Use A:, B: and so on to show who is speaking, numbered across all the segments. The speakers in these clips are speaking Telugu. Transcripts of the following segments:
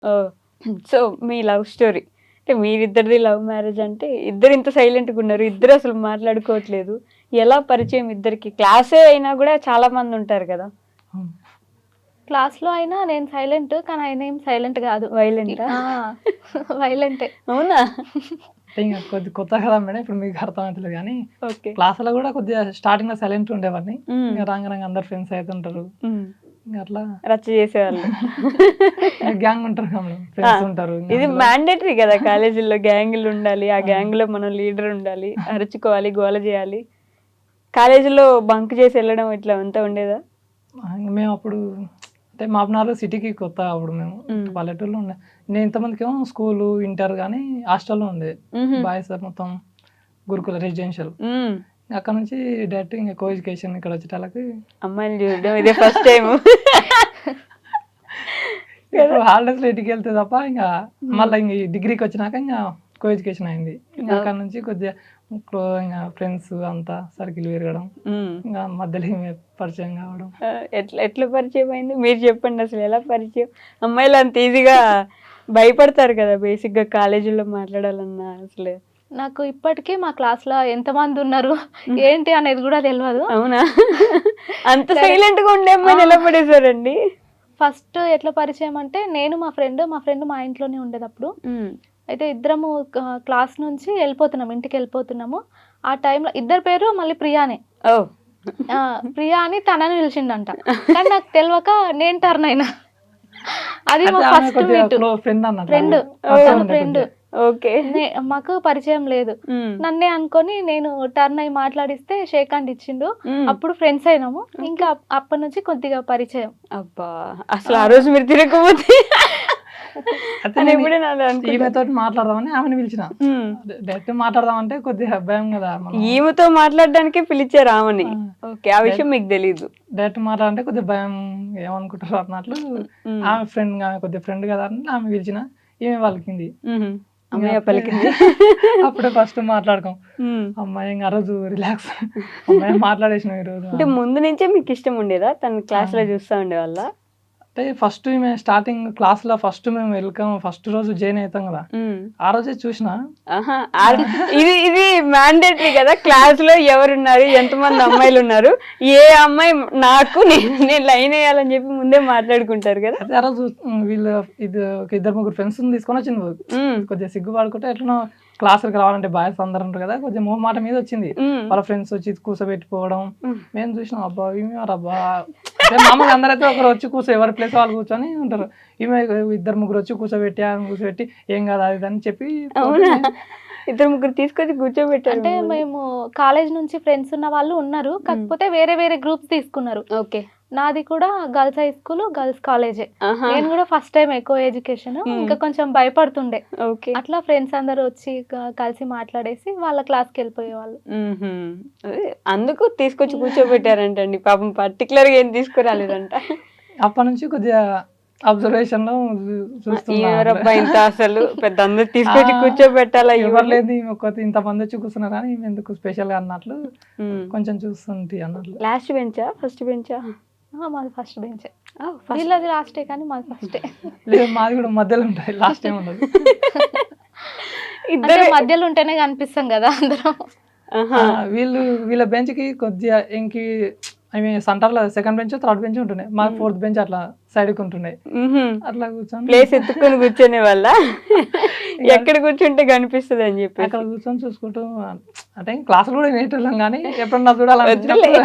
A: ఓహ్! సో, మీ లవ్ స్టోరీ. అంటే మీరిద్దరిది లవ్ మ్యారేజ్ అంటే ఇద్దరు ఇంత సైలెంట్‌గా ఉన్నారు. ఇద్దరు అసలు మాట్లాడుకోవట్లేదు. ఎలా పరిచయం ఇద్దరికి? క్లాసే అయినా గూడా చాలా మంది ఉంటారు కదా!
B: అవును.
C: క్లాస్‌లో అయినా నేను సైలెంట్. కానీ ఆయన ఏం సైలెంట్ గాదు.
A: వైలెంటా?
C: ఆ! వైలెంటే.
A: అవునా?
B: అంటే ఇంక కొత్త కదా మేడం. ఇప్పుడు మీకు అర్థమైతలేదు గానీ,
A: ఓకే.
B: క్లాస్‌లో గూడా కొద్దిగా స్టార్టింగ్‌లో సైలెంట్‌గా ఉండేవాడిని.
A: హ్మ్.
B: ఇంక రాంగ అందరు ఫ్రెండ్స్ అయితుంటారు.
A: హ్మ్.
B: ఇంక అట్లా
A: రచ్చ చేసేవాళ్ళు.
B: గ్యాంగ్ ఉంటారు కదా మేడం.
A: ఆ!
B: ఫ్రెండ్స్ ఉంటారు. ఇంక
A: ఇది
B: అందులో
A: మ్యాండేటరీ కదా! కాలేజీల్లో గ్యాంగులు ఉండాలి. ఆ గ్యాంగ్‌లో మనం లీడర్ ఉండాలి. అరుచుకోవాలి, గోల చేయాలి. కాలేజీలో బంక్ చేసి వెళ్ళడం ఇట్లా అంతా ఉండేదా?
B: ఇంక మేమప్పుడు అంటే మాపునారు సిటీకి కొత్త అప్పుడు మేము.
A: హ్మ్.
B: పల్లెటూరులో ఉండే. నేను ఇంతమందికేమో స్కూలు, ఇంటర్ గానీ హాస్టల్‌లో ఉండేది.
A: హుహు.
B: బాయ్స్ మొత్తం గురుకుల రెసిడెన్షియల్.
A: హ్మ్.
B: అక్కడ నుంచి డైరెక్ట్ ఇంక కో ఎడ్యుకేషన్ ఇక్కడ వచ్చేటాళ్ళకి
A: అమ్మాయిని చూడడం ఇదే ఫస్ట్ టైము.
B: ఇప్పుడు హాలిడేస్‌లో ఇంటికెళ్తే తప్ప ఇంక మళ్ళా ఇంక ఈ డిగ్రీకి వచ్చినాక ఇంక కో ఎడ్యుకేషన్ అయింది. ఇంక అక్కడ నుంచి కొద్దిగా ఇంక ఫ్రెండ్స్ అంతా సర్కిల్ పెరగడం.
A: హ్మ్.
B: ఇంక మధ్యలో ఈమె పరిచయం కావడం.
A: ఎట్లా ఎట్లా పరిచయం అయింది? మీరు చెప్పండి అసలు ఎలా పరిచయం? అమ్మాయిలు అంత ఈజీగా భయపడతారు కదా! బేసిక్‌గా కాలేజీలో మాట్లాడాలన్నా అసలు.
C: నాకు ఇప్పటికీ మా క్లాస్‌లో ఎంతమంది ఉన్నారు, ఏంటి అనేది గూడా తెలవదు.
A: అవునా? అంత సైలెంట్‌గా ఉండే అమ్మాయిని ఎలా పడేసారండి?
C: ఫస్ట్ ఎట్లా పరిచయం అంటే నేను మా ఫ్రెండ్ మా ఇంట్లోనే ఉండేదప్పుడు.
A: హ్మ్.
C: అయితే ఇద్దరము క్లాస్ నుంచి ఇంటికెళ్ళిపోతున్నాము. ఆ టైంలో ఇద్దరి పేరు మళ్ళీ ప్రియానే.
A: ఓహ్!
C: ప్రియా అని తనని పిలిచిండంట. కానీ నాకు తెలవక నేను టర్న్ అయినా. అది మా
B: అయితే ఆమె
C: ఫస్ట్
B: కొద్దిగా
C: మీట్.
B: ఫ్రెండ్ అన్నట్టు.
C: ఫ్రెండ్.
B: పరిచయం
C: తన
B: ఉండే
C: ఫ్రెండ్.
B: కొద్దిగా.
A: ఓకే.
C: మాకు పరిచయం లేదు.
A: హ్మ్.
C: నన్నే అనుకొని నేను టర్న్ అయ్యి మాట్లాడిస్తే షేక్ హ్యాండ్ ఇచ్చిండు.
A: హ్మ్.
C: అప్పుడు ఫ్రెండ్స్ అయినాము. ఇంకా అప్పటి నుంచి కొద్దిగా పరిచయం.
A: అబ్బా! అసలు ఆ రోజు మీరు తిరగకపోతే
B: అయితే
A: అని
B: నేను
A: ఎప్పుడైనా అలా అనుకుంటా.
B: ఈమెతోటి మాట్లాడదామని ఆమెను పిలిచిన.
A: హ్మ్.
B: డైరెక్ట్ మాట్లాడదామంటే కొద్దిగా భయం కదా మనం.
A: ఈమెతో మాట్లాడడానికే పిలిచారు ఆమెని.
B: ఆ.
A: ఓకే. ఆ విషయం మీకు తెలీదు.
B: డైరెక్ట్ మాట్లాడంటే కొద్దిగా భయం ఏమనుకుంటారు అన్నట్లు
A: హ్మ్.
B: ఆమె కొద్దిగా ఫ్రెండ్ కదా అని ఆమె పిలిచిన. ఈమె పలికింది.
A: హుహు.
B: ఇంక
A: అమ్మయ్య
B: అప్పుడే
A: పలికింది.
B: అప్పుడే ఫస్ట్ మాట్లాడుకోం.
A: హ్మ్.
B: అమ్మాయి ఇంక ఆ రోజు రిలాక్స్. అమ్మాయి మాట్లాడేసినాం ఈరోజు.
A: అంటే ముందు నుంచే మీకు ఇష్టం ఉండేదా? తను క్లాస్‌లో చూస్తా ఉండేవాళ్ళా?
B: అంటే ఫస్ట్ ఈమె స్టార్టింగ్ క్లాస్‌లో ఫస్ట్ మేము ఫస్ట్ రోజు జాయిన్ అయితాం కదా!
A: హ్మ్.
B: ఆ రోజే చూసినా.
A: ఆహా! ఇది ఇది మ్యాండేటరీ కదా! క్లాస్‌లో ఎవరున్నారు? ఎంతమంది అమ్మాయిలున్నారు? ఏ అమ్మాయి నాకు నేను లైన్ ఎయ్యాలని చెప్పి ముందే మాట్లాడుకుంటారు కదా!
B: అయితే ఆ రోజు వీళ్ళు ఒక ఇద్దరు ముగ్గురు ఫ్రెండ్స్‌ని తీసుకొనొచ్చింది.
A: హ్మ్.
B: కొద్దిగా సిగ్గుపడుకుంటే ఎట్లనో క్లాస్‌లకి రావాలంటే బాయ్స్ అందరూ ఉంటారు కదా! కొద్దిగా మొహమాట మీద వచ్చింది.
A: హ్మ్.
B: వాళ్ళ ఫ్రెండ్స్ వచ్చి కూర్చోబెట్టిపోవడం.
A: హ్మ్.
B: మేము చూసినాం అబ్బా! ఈమెవరబ్బా! అంటే మామూలుగా అందరైతే ఒకరు వచ్చి ఎవరి ప్లేస్ వాళ్ళు కూర్చొని ఉంటారు. ఈమె ఇద్దరు ముగ్గురు వచ్చి కూర్చోబెట్టి ఏం కాదు అది ఇది అని చెప్పి
A: అవునా?
B: పోతుంది.
A: ఇద్దరు ముగ్గురు తీసుకొచ్చి కూర్చోబెట్టారు
C: అంటే
A: మిమ్మల్ని.
C: మేము కాలేజ్ నుంచి ఫ్రెండ్స్ ఉన్న వాళ్ళు ఉన్నారు. కాకపోతే వేరే వేరే గ్రూప్స్ తీసుకున్నారు.
A: ఓకే.
C: నాది కూడా గర్ల్స్ హై స్కూల్, గర్ల్స్ కాలేజే.
A: ఆహా!
C: నేను కూడా ఫస్ట్ టైం కో ఎడ్యుకేషన్. ఇంకా కొంచెం భయపడుతుండే.
A: ఓకే.
C: అట్లా ఫ్రెండ్స్ అందరూ వచ్చి కలిసి మాట్లాడేసి వాళ్ళ క్లాస్‌కి వెళ్ళిపోయేవాళ్ళు.
A: హుహు. అదే అందుకు తీసుకొచ్చి కూర్చోబెట్టారంటండి. పాపం పర్టిక్యులర్‌గా ఏం తీసుకురాలేదంట.
B: అప్పటి నుంచి కొద్దిగా అబ్జర్వేషన్‌లో చూస్తున్నా.
A: ఎవరబ్బా ఇంత అసలు పెద్ద అందరు
B: ఆ!
A: తీసుకొచ్చి కూర్చోబెట్టాలా
B: ఎవరు
A: ఈమెని?
B: లేనిది ఇంతమంది వచ్చి కూర్చున్నారు కానీ ఈమె ఎందుకు స్పెషల్‌గా అన్నట్లు
A: హ్మ్.
B: కొంచెం చూస్తుంటి అన్నట్లు.
A: లాస్ట్ బెంచా? ఫస్ట్ బెంచా?
C: మాది ఫస్ట్ బెంచే.
A: ఫస్ట్
C: వీళ్ళది లాస్టే కానీ మాది ఫస్టే.
B: లేదు మాది కూడా మధ్యలో ఉంటాయి. లాస్ట్ టైం ఉండదు.
C: అంటే
A: ఇద్దరే
C: మధ్యలో ఉంటేనే కనిపిస్తాం కదా అందరం.
A: ఆహా!
B: వీళ్ళ బెంచ్‌కి కొద్దిగా సెంటర్‌లో సెకండ్ బెంచ్, థర్డ్ బెంచ్ ఉంటున్నాయి. మాకు ఫోర్త్ బెంచ్ అట్లా సైడ్‌కి ఉంటున్నాయి.
A: హుహు.
B: అట్లా కూర్చొని
A: ప్లేస్ ఎత్తుక్కొని కూర్చునేవాళ్ళా? ఎక్కడ కూర్చుంటే కనిపిస్తదని చెప్పేసి.
B: అక్కడ కూర్చొని చూసుకుంటూ అంటే క్లాసులు కూడా వినేటోళ్ళం కానీ ఎప్పుడన్నా
A: వద్దులే.
B: చూడాలనిపించినప్పుడు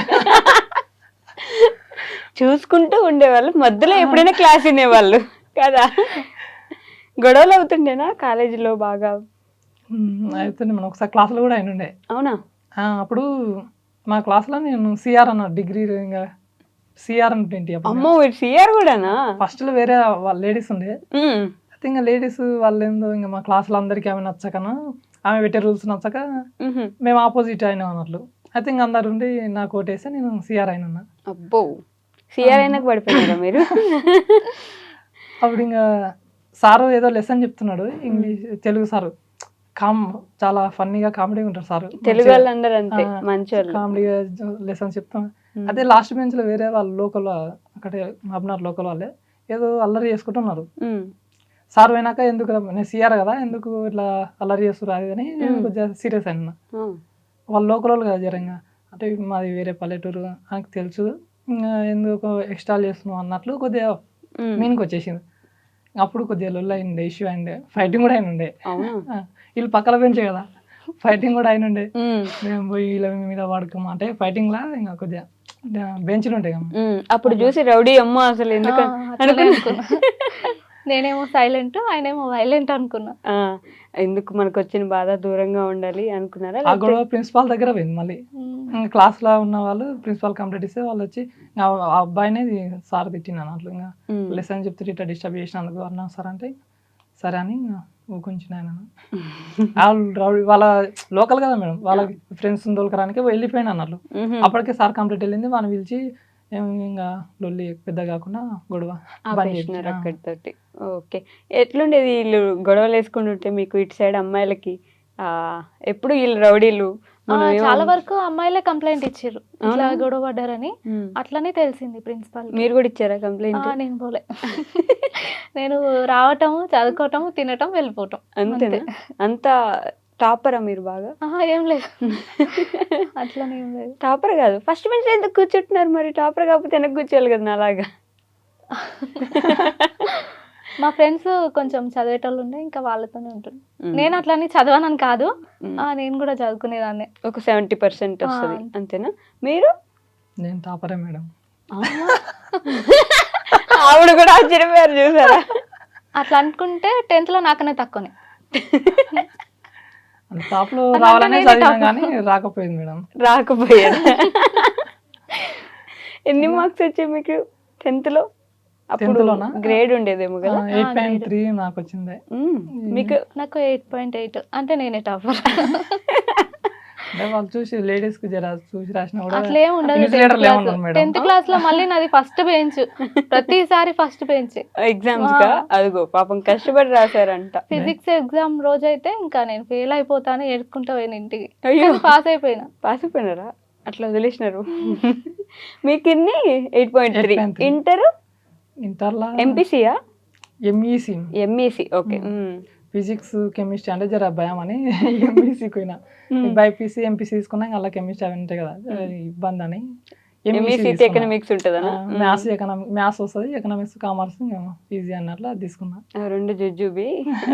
A: చూసుకుంటూ ఉండేవాళ్ళు. మధ్యలో ఎప్పుడైనా క్లాస్ వినేవాళ్ళు కదా! గొడవలు అవుతుండేనా కాలేజీలో బాగా?
B: అయితేనే మనం ఒకసారి క్లాసులు కూడా అయినుండే.
A: అవునా?
B: అప్పుడు మా క్లాస్‌లో నేను సీఆర్ అన్నా డిగ్రీ ఇంగ సీఆర్ అంటే అప్పుడు
A: అమ్మో! మీరు సీఆర్ గూడానా?
B: ఫస్ట్‌లో వేరే వాళ్ళ లేడీస్ ఉండే.
A: హ్మ్.
B: అయితే ఇంగ లేడీస్ వాళ్ళేందో ఇంగ మా క్లాస్‌లో అందరికీ ఆమె నచ్చకనో, ఆమె పెట్టే రూల్స్ నచ్చక
A: హుహు.
B: మేము ఆపోజిట్ అయినాం అన్నట్లు. అయితే ఇంగ అందరుండి నాకు ఓటేసి నేను సీఆర్ అయినున్నా.
A: అబ్బో! సీఆర్ అయినాక పడిపోయినారా మీరు?
B: అప్పుడు ఇంగ సారు ఏదో లెసన్ చెప్తున్నాడు. తెలుగు సారు. చాలా ఫన్నీగా కామెడీగా ఉంటారు సారు.
A: తెలుగు వాళ్ళందరూ అంతే మంచోళ్ళు.
B: కామెడీగా లెసన్స్ చెప్తాం.
A: హ్మ్.
B: అదే లాస్ట్ బెంచ్‌లో వేరే వాళ్ళు లోకల్ అక్కడే మహబూబ్‌నగర్ లోకల్ వాళ్ళే ఏదో అల్లరి చేసుకుంటున్నారు.
A: హ్మ్.
B: సార్ పోయినాక ఎందుకు నేను సిఆర్ కదా ఎందుకు ఇట్లా అల్లరి చేస్తారు అది అని నేను కొద్దిగా సీరియస్ అయినా. వాళ్ళు లోకల్ వాళ్ళు కదా జరంగా, అంటే మాది వేరే పల్లెటూరు నాకు తెలుసు, ఇంకా ఎందుకు ఎక్స్ట్రా చేస్తున్నావు అన్నట్లు కొద్దిగా మీనికి వచ్చేసింది. అప్పుడు కొద్దిగా లొల్లు అయింది, ఇష్యూ అయింది, ఫైటింగ్ కూడా అయినుండే. వీళ్ళు పక్కల పెంచే కదా, ఫైటింగ్ కూడా అయినుండే. మేము పోయి వీళ్ళ మీద పడుకోమా అంటే ఫైటింగ్ లా ఇంకా కొద్దిగా బెంచ్లు ఉంటాయి కదా.
A: అప్పుడు చూసి రౌడీ అమ్మ అసలు ఎందుకు
C: నేనేమో సైలెంట్, ఆయనేమో వైలెంట్ అనుకున్నా.
A: ఎందుకు మనకు వచ్చిన బాధ దూరంగా ఉండాలి అనుకున్నారా?
B: ఆ గొడవ ప్రిన్సిపాల్ దగ్గర పోయింది. మళ్ళీ క్లాస్ లో ఉన్న వాళ్ళు ప్రిన్సిపాల్ కంప్లైంట్ ఇస్తే వాళ్ళు వచ్చి ఆ అబ్బాయినే సార్ తిట్టినాను అట్లా, ఇంకా లెసన్ చెప్తే ఇట్లా డిస్టర్బ్ చేసినందుకు అన్నా సార్ అంటే సరే అని ఊకుంచిన ఆయన. వాళ్ళ లోకల్ కదా మేడం, వాళ్ళ ఫ్రెండ్స్ దొరకడానికి వెళ్ళిపోయినా అన్నట్లు. అప్పటికే సార్ కంప్లైంట్ వెళ్ళింది, వాళ్ళని పిలిచి ఇంకా లొల్లి పెద్ద కాకుండా గొడవ
A: అక్కడితోటి. ఓకే, ఎట్లుండేది వీళ్ళు గొడవలు వేసుకుంటుంటే మీకు ఇటు సైడ్ అమ్మాయిలకి? ఎప్పుడు వీళ్ళు రౌడీలు
C: చాలా వరకు అమ్మాయిలే కంప్లైంట్ ఇచ్చారు ఇట్లా గొడవ పడ్డారని. అట్లనే తెలిసింది ప్రిన్సిపాల్.
A: మీరు కూడా ఇచ్చారా కంప్లైంట్?
C: నేను పోలే. నేను రావటం, చదువుకోవటం, తినటం, వెళ్ళిపోవటం
A: అంతేనా? అంత టాపరా మీరు బాగా?
C: ఏం లేదు, అట్లనే ఏం లేదు.
A: టాపర్ కాదు, ఫస్ట్ బెంచ్ ఎందుకు కూర్చుంటున్నారు మరి? టాపర్ కాకపోతే వెనక్కి కూర్చోవాలి కదా నాలాగా.
C: మా ఫ్రెండ్స్ కొంచెం చదివేటోళ్ళు ఉండే, ఇంకా వాళ్ళతోనే ఉంటుంది. నేను అట్లని చదవనని కాదు, నేను కూడా చదువుకునేదాన్ని.
A: ఒక 70% వస్తుంది అంతేనా? మీరు?
B: నేను టాపరే మేడం.
A: ఆవిడ కూడా ఆశ్చర్యపోయారు చూసారా?
C: అట్లా అనుకుంటే 10th లో నాకనే తక్కువనే.
B: టాప్ లో రావాలనే చదివినా కానీ రాకపోయింది మేడం.
A: రాకపోయారు. ఎన్ని మార్క్స్ వచ్చాయి మీకు 10th లో? అప్పుడు గ్రేడ్ ఉండేదేమో కదా.
B: 8.3 నాకు వచ్చింది.
A: మీకు?
C: నాకు 8.8. అంటే నేనే టాపర్.
B: వాళ్ళు చూసి లేడీస్ కి జర చూసి రాసినా కూడా
C: అట్లేం ఉండదు. 10th క్లాస్ లో మళ్ళీ నాది ఫస్ట్ బెంచ్, ప్రతిసారి ఫస్ట్ బెంచ్.
A: ఎగ్జామ్స్ గా అదిగో పాపం కష్టపడి రాశారంట.
C: ఫిజిక్స్ ఎగ్జామ్ రోజు అయితే ఇంకా నేను ఫెయిల్ అయిపోతాను ఏడుకుంటా పోయిన ఇంటికి. పాస్ అయిపోయినా.
A: పాస్ అయిపోయినారా? అట్లా వదిలేసినారు. మీకు ఇన్ని 8.3. ఇంటర్లో ఎంపీసీయా? ఎంఈసీ. ఓకే.
B: ఫిజిక్స్ కెమిస్ట్రీ అంటే జర భయం అని ఎంఈసీ పోయినా. బైపీసీ ఎంపీసీ తీసుకున్నా అలా కెమిస్ట్రీ అవి ఉంటాయి కదా, ఇబ్బంది అని
A: ఎకనామిక్స్ ఉంటుందా?
B: మ్యాథ్స్ వస్తుంది, ఎకనామిక్స్ కామర్స్ ఈజీ అన్నట్లు అది తీసుకున్నా.
A: రెండు జుజుబి.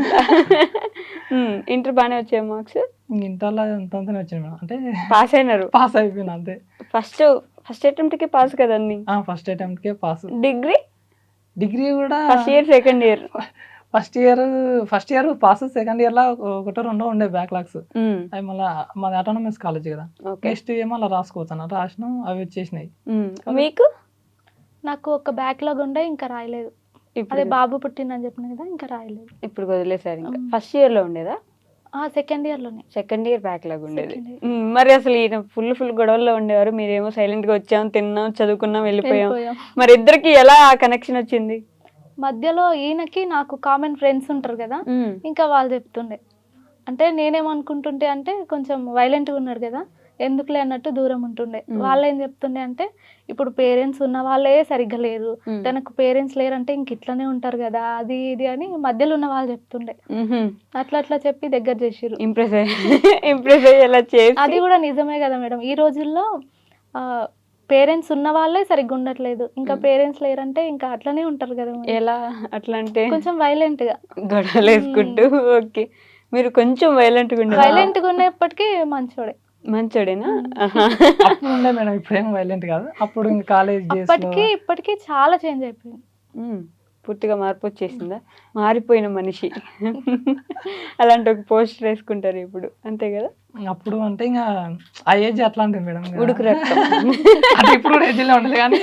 A: ఇంటర్ బాగానే వచ్చాయి మార్క్స్?
B: ఇంటర్లో అంతంతనే వచ్చింది మేడం. అంటే
A: పాస్ అయినారు? పాస్
B: అయిపోయినా అంతే.
A: ఫస్ట్ అటెంప్ట్ కే పాస్ కదండి?
B: ఫస్ట్ అటెంప్ట్ కే పాస్.
A: డిగ్రీ
B: కూడా
A: first year second year?
B: First year pass, second year లో ఒకటో రెండో ఉండే బ్యాక్లాగ్స్. అవి మళ్ళీ మాది ఆటోనమస్ కాలేజ్ కదా, నెక్స్ట్ ఏమో అలా రాసుకోవచ్చు అన్నట్టు రాసినాం, అవి వచ్చేసినాయి.
A: మీకు?
C: నాకు ఒక బ్యాక్లాగ్ ఉండే, ఇంకా రాయలేదు. అదే బాబు పుట్టిందని చెప్పిన కదా, ఇంకా రాయలేదు.
A: ఇప్పుడు వదిలేసారు. ఇంకా ఫస్ట్ ఇయర్ లో ఉండేదా?
C: సెకండ్ ఇయర్ లోనే.
A: సెకండ్ ఇయర్ బ్యాక్లాగ్ ఉండేది. మరి అసలు ఈయన ఫుల్ గొడవల్లో ఉండేవారు, మీరేమో సైలెంట్ గా వచ్చాం, తిన్నాం, చదువుకున్నాం, వెళ్ళిపోయాం. మరి ఇద్దరికి ఎలా కనెక్షన్ వచ్చింది?
C: మధ్యలో ఈయనకి నాకు కామన్ ఫ్రెండ్స్ ఉంటారు కదా, ఇంకా వాళ్ళు చెప్తుండే. అంటే నేనేమనుకుంటుంటే, అంటే కొంచెం వైలెంట్గా ఉన్నాడు కదా, ఎందుకులే అన్నట్టు దూరం ఉంటుండే. వాళ్ళు ఏం చెప్తుండే అంటే, ఇప్పుడు పేరెంట్స్ ఉన్న వాళ్ళే సరిగ్గా లేరు, తనకు పేరెంట్స్ లేరంటే ఇంక ఇట్లనే ఉంటారు కదా, అది ఇది అని మధ్యలో ఉన్న వాళ్ళు చెప్తుండే. అట్లా చెప్పి దగ్గర చేసిరు.
A: ఇంప్రెస్
C: అది కూడా నిజమే కదా మేడం. ఈ రోజుల్లో పేరెంట్స్ ఉన్న వాళ్ళే సరిగ్గా ఉండట్లేదు, ఇంకా పేరెంట్స్ లేరంటే ఇంకా అట్లనే ఉంటారు కదా.
A: ఎలా అట్లా అంటే?
C: కొంచెం వైలెంట్ గా
A: గొడవలు వేసుకుంటూ. ఓకే, మీరు కొంచెం వైలెంట్
C: గా ఉన్నప్పటికీ మంచోడేనా?
B: అప్పుడు ఉండే మేడం, ఇప్పుడేం వైలెంట్ కాదు. అప్పుడు ఇంకా కాలేజ్
C: ఇప్పటికీ చాలా చేంజ్ అయిపోయింది.
A: పూర్తిగా మార్పు వచ్చేసిందా? మారిపోయిన మనిషి. అలాంటి ఒక పోస్టర్ వేసుకుంటారు ఇప్పుడు, అంతే కదా?
B: అప్పుడు అంటే ఇంకా ఆ ఏజ్ అట్లాంటిది మేడం,
A: ఉడుకు రక్తం.
B: అంటే ఇప్పుడు కూడా ఏజ్లో ఉండదు కానీ,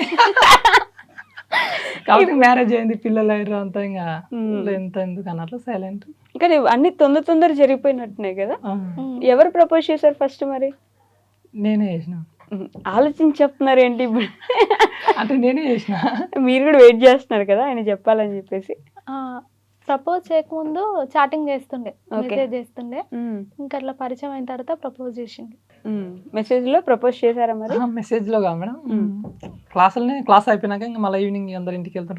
B: కాబట్టి మ్యారేజ్ అయింది, పిల్లలు అయ్యారు, అంతా ఇంకా ఎంత ఎందుకు అన్నట్లు సైలెంట్.
A: కానీ అన్ని తొందర జరిగిపోయినట్టున్నాయి కదా. ఎవరు ప్రపోజ్ చేశారు ఫస్ట్? మరి
B: నేనే చేసిన.
A: ఆలోచించి చెప్తున్నారు ఏంటి ఇప్పుడు?
B: అంటే నేనే చేసిన.
A: మీరు కూడా వెయిట్ చేస్తున్నారు కదా ఆయన చెప్పాలని చెప్పేసి.
C: ప్రపోజ్ చేయకముందు చాటింగ్ చేస్తుండే, మెసేజ్ చేస్తుండే, ఇంకా అట్లా పరిచయం అయిన తర్వాత ప్రపోజ్ చేసింది.
A: మెసేజ్ లో ప్రపోజ్ చేశారా మరి?
B: మెసేజ్ లో కాదు మేడం, క్లాస్ అయిపోయినాక ఇంకా మళ్ళీ ఈవినింగ్ అందరు ఇంటికి వెళ్తుంటారు,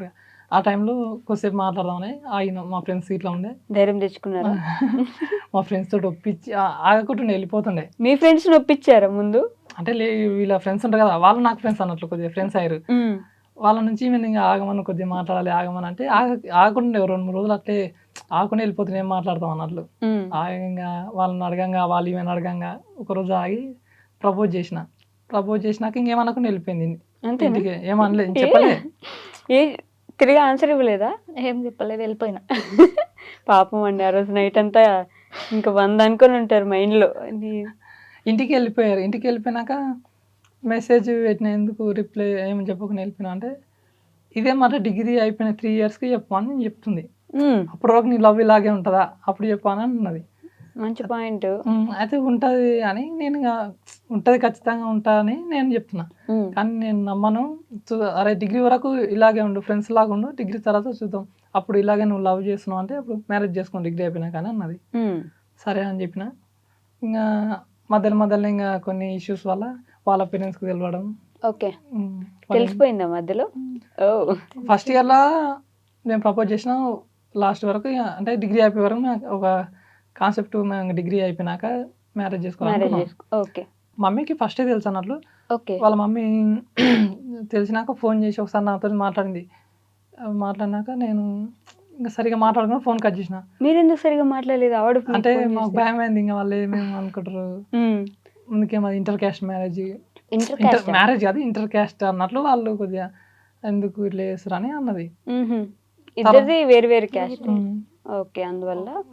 B: ఆ టైంలో కొద్దిసేపు మాట్లాడదామని ఆగిన మా ఫ్రెండ్స్ ఇట్లా ఉండే
A: ధైర్యం తెచ్చుకున్నారా?
B: మా ఫ్రెండ్స్ తోటి ఒప్పించి ఆగకుండా వెళ్ళిపోతుండే.
A: మీ ఫ్రెండ్స్ ఒప్పించారా ముందు?
B: అంటే వీళ్ళ ఫ్రెండ్స్ ఉంటారు కదా, వాళ్ళు నాకు ఫ్రెండ్స్ అన్నట్లు కొద్దిగా ఫ్రెండ్స్ అయ్యారు. వాళ్ళ నుంచి మేము ఇంకా ఆగమని కొద్దిగా మాట్లాడాలి ఆగమని అంటే ఆగకుండా 2-3 రోజులు అట్లే ఆగకుండా వెళ్ళిపోతుంది, ఏం మాట్లాడతాం అన్నట్లు. ఆగంగా వాళ్ళని అడగంగా వాళ్ళు ఈమెను అడగంగా ఒకరోజు ఆగి ప్రపోజ్ చేసినాక ఇంకేమనకుండా వెళ్ళిపోయింది ఇంటికి. ఏమనలేదు, చెప్పలే.
A: తిరిగి ఆన్సర్ ఇవ్వలేదా?
C: ఏం చెప్పలేదు, వెళ్ళిపోయినా.
A: పాపం అండి, ఆ రోజు నైట్ అంతా ఇంకా 100 అనుకొని ఉంటారు మైండ్లో.
B: ఇంటికి వెళ్ళిపోయారు. ఇంటికి వెళ్ళిపోయినాక మెసేజ్ పెట్టిన, ఎందుకు రిప్లై ఏమని చెప్పకుండా వెళ్ళిపోయినా అంటే, ఇదే మాట డిగ్రీ అయిపోయిన 3 ఇయర్స్కి చెప్పమని నేను చెప్తుంది. అప్పటి వరకు నీ లవ్ ఇలాగే ఉంటుందా, అప్పుడు చెప్పాను అన్నది.
A: మంచి పాయింట్.
B: అయితే ఉంటుంది అని నేను ఉంటుంది, ఖచ్చితంగా ఉంటా అని నేను చెప్తున్నా. కానీ నేను నమ్మను. అరే డిగ్రీ వరకు ఇలాగే ఉండు, ఫ్రెండ్స్ లాగా ఉండు, డిగ్రీ తర్వాత చూద్దాం, అప్పుడు ఇలాగే నువ్వు లవ్ చేస్తున్నావు అంటే అప్పుడు మ్యారేజ్ చేసుకుని డిగ్రీ అయిపోయినా కానీ అన్నది. సరే అని చెప్పిన. ఇంకా మధ్యలో ఇంకా కొన్ని ఇష్యూస్ వల్ల వాళ్ళ పేరెంట్స్కి తెలియడం.
A: ఓకే, తెలిసిపోయిందా మధ్యలో?
B: ఫస్ట్ ఇయర్లో నేను ప్రపోజ్ చేసిన, లాస్ట్ వరకు అంటే డిగ్రీ అయిపోయే వరకు ఒక కాన్సెప్ట్, మేము డిగ్రీ అయిపోయినాక మ్యారేజ్ చేసుకోవాలి.
A: ఓకే,
B: మమ్మీకి ఫస్టే తెలుసు అన్నట్లు.
A: ఓకే,
B: వాళ్ళ మమ్మీ తెలిసినాక ఫోన్ చేసి ఒకసారి నాతో మాట్లాడినాక నేను ఇంకా సరిగా మాట్లాడుకుని ఫోన్ కట్ చేసిన.
A: మీరు ఎందుకు సరిగా మాట్లాడలేదు? ఆవిడ
B: అంటే మాకు భయం అయింది, ఇంకా వాళ్ళు ఏమేమి అనుకుంటారు, ముందుకేమో ఇంటర్ క్యాస్ట్ మ్యారేజ్ కాదు ఇంటర్ క్యాస్ట్ అన్నట్లు వాళ్ళు కొద్దిగా ఎందుకు ఇట్లా చేస్తారు అని అన్నది.
A: ఇద్దరిది వేరు వేరు క్యాస్ట్. ఓకే, అందువల్ల